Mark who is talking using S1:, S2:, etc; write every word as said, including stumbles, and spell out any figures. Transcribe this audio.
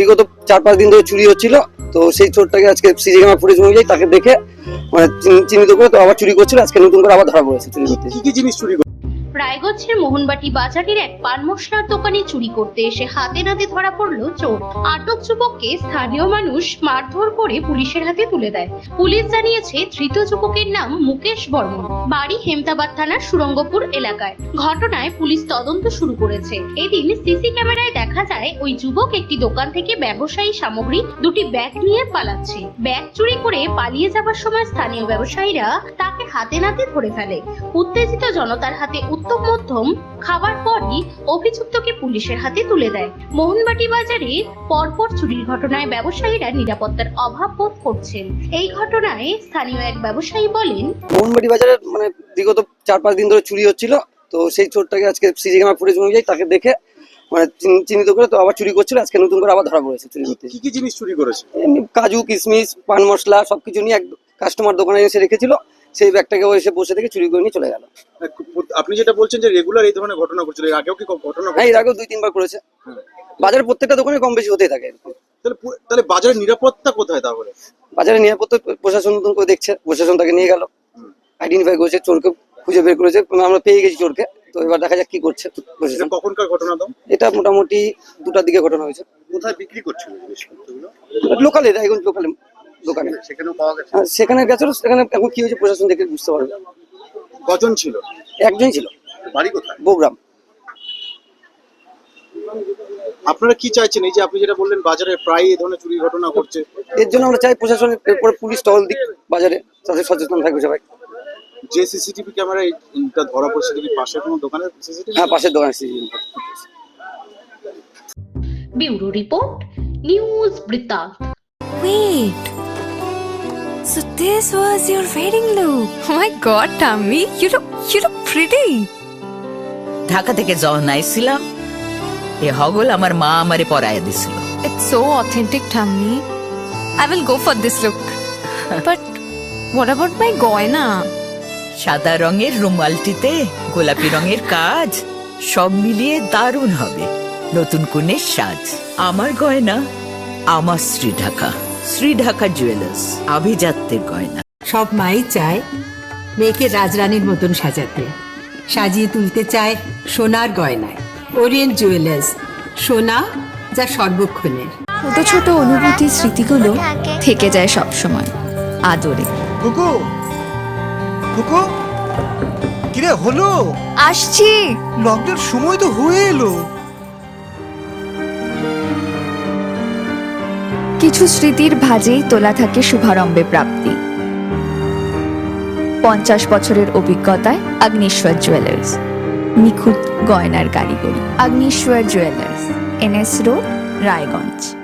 S1: বিগত চার পাঁচ দিন ধরে চুরি হচ্ছিল, তো সেই চোরটাকে আজকে সিসি ক্যামেরা ফুটেজ অনুযায়ী তাকে দেখে মানে চিহ্নিত করে তো আবার চুরি করছিল। আজকে নতুন করে আবার ধরা পড়েছে চুরি করতে।
S2: কি কি জিনিস চুরি?
S3: রায়গঞ্জের মোহনবাটি বাজারের এক পান মশলার দোকানে চুরি করতে এসে হাতে নাতে ধরা পড়লো চোর। আটক যুবককে স্থানীয় মানুষ মারধর করে পুলিশের হাতে তুলে দেয়। পুলিশ জানিয়েছে ধৃত যুবকের নাম মুকেশ বর্মন, বাড়ি হেমতাবাদ থানার সুরঙ্গপুর এলাকায়। ঘটনায় পুলিশ তদন্ত শুরু করেছে। এদিন সিসি ক্যামেরায় দেখা যায় ওই যুবক একটি দোকান থেকে ব্যবসায়ী সামগ্রী দুটি ব্যাগ নিয়ে পালাচ্ছে। ব্যাগ চুরি করে পালিয়ে যাবার সময় স্থানীয় ব্যবসায়ীরা তাকে হাতে নাতে ধরে ফেলে। উত্তেজিত জনতার হাতে উত্তম মধ্যম খাবার পরই অভিযুক্তকে পুলিশের হাতে তুলে দেয়। মোহনবাটি বাজারে পরপর চুরির ঘটনায় ব্যবসায়ীরা নিরাপত্তার অভাব বোধ করছেন। এই ঘটনায় স্থানীয় এক ব্যবসায়ী বলেন,
S1: মোহনবাটি বাজারে মানে বিগত চার পাঁচ দিন ধরে চুরি হচ্ছিল, তো সেই চোরটাকে আজকে সিসি ক্যামেরা ফুটেজ অনুযায়ী তাকে দেখে মানে চিহ্নিত করে তো আবার চুরি করছিল। আজকে নতুন করে আবার ধরা পড়েছে চুরি করতে।
S2: কি কি জিনিস চুরি করেছে?
S1: এমনি কাজু, কিশমিশ, পান মশলা সবকিছু নিয়ে এক কাস্টমার দোকানে এসে রেখেছিল, সেই ব্যাগটাকে ও এসে বসে থেকে চুরি করে নিয়ে চলে গেল।
S2: আপনি যেটা বলছেন যে রেগুলার এই ধরনের ঘটনা ঘটছিল, এর আগেও কি ঘটনা?
S1: হ্যাঁ, এর আগেও দুই তিনবার করেছে। বাজারের প্রত্যেকটা দোকানে কম বেশি হতেই থাকে।
S2: তাহলে তাহলে বাজারের নিরাপত্তা কোথায়? তাহলে
S1: বাজারের নিরাপত্তা প্রশাসন নতুন করে দেখছে, প্রশাসন তাকে নিয়ে গেল, আইডেন্টিফাই করেছে, চোরকে খুঁজে বের করেছে, আমরা পেয়ে গেছি চোরকে। তো এবার দেখা যাক কি করছে প্রশাসন।
S2: কখনকার ঘটনা তো?
S1: এটা মোটামুটি দুটার দিকে ঘটনা হয়েছে।
S2: কোথায় বিক্রি করছিল জিনিসপত্রগুলো?
S1: লোকালে, রায়গঞ্জ লোকালে দোকানে।
S2: সেখানেও পাওয়া গেছে?
S1: সেখানে গেছিল, সেখানে এখন কি হয়েছে প্রশাসন দেখে বুঝতে পারবে।
S2: কজন ছিল?
S1: একজনই ছিল।
S2: বাড়ি কোথায়?
S1: বগুড়া।
S2: আপনারা কি চাইছেন? এই যে আপনি যেটা বললেন বাজারে প্রায় এই ধরনের চুরি ঘটনা ঘটছে,
S1: এর জন্য আমরা চাই প্রশাসনের এরপরে পুলিশ টহল দিক বাজারে, তাদের সচেতন থাকবে সবাই।
S2: যে সিসিটিভি ক্যামেরা এটা ধরা পড়ছে কি পাশের কোনো দোকানের সিসিটিভি?
S1: হ্যাঁ, পাশের দোকানে সিসিটিভি।
S3: ব্যুরো রিপোর্ট, নিউজ বৃত্তান্ত।
S4: Wait. So this was your wedding look. Oh my god, Tammy, you look you look pretty.
S5: Dhaka থেকে যখন আইছিলাম এ হগল আমার মা আমারে পরায় দিছিল।
S4: It's so authentic, Tammy. I will go for this look. But what about my goina?
S5: সাদা রঙের রুমালটিতে গোলাপি রঙের কাজ, সব মিলিয়ে দারুণ হবে নতুন কনের সাজ। আমার গয়না আমার শ্রী ঢাকা, শ্রী ঢাকা জুয়েলার্স, আভিজাত্যের গয়না।
S6: সব মাই চায় মেয়েকে রাজরানীর মতন সাজাতে, সাজিয়ে তুলতে চায় সোনার গয়নায়। ওরিয়েন্ট জুয়েলার্স, সোনা যা সর্বক্ষণের।
S4: ছোট ছোট অনুভূতি, স্মৃতিগুলো থেকে যায় সব সময় আদরে।
S7: কুকু কুকু কিরে হলো?
S4: আসছি।
S7: লকডাউন সময় তো হয়ে এলো।
S8: কিছু স্মৃতির ভাজেই তোলা থাকে শুভারম্ভে প্রাপ্তি। পঞ্চাশ বছরের অভিজ্ঞতায় আগ্নেশ্বর জুয়েলার্স, নিখুঁত গয়নার কারিগরি। Agneshwar jewellers, NS road, Raiganj.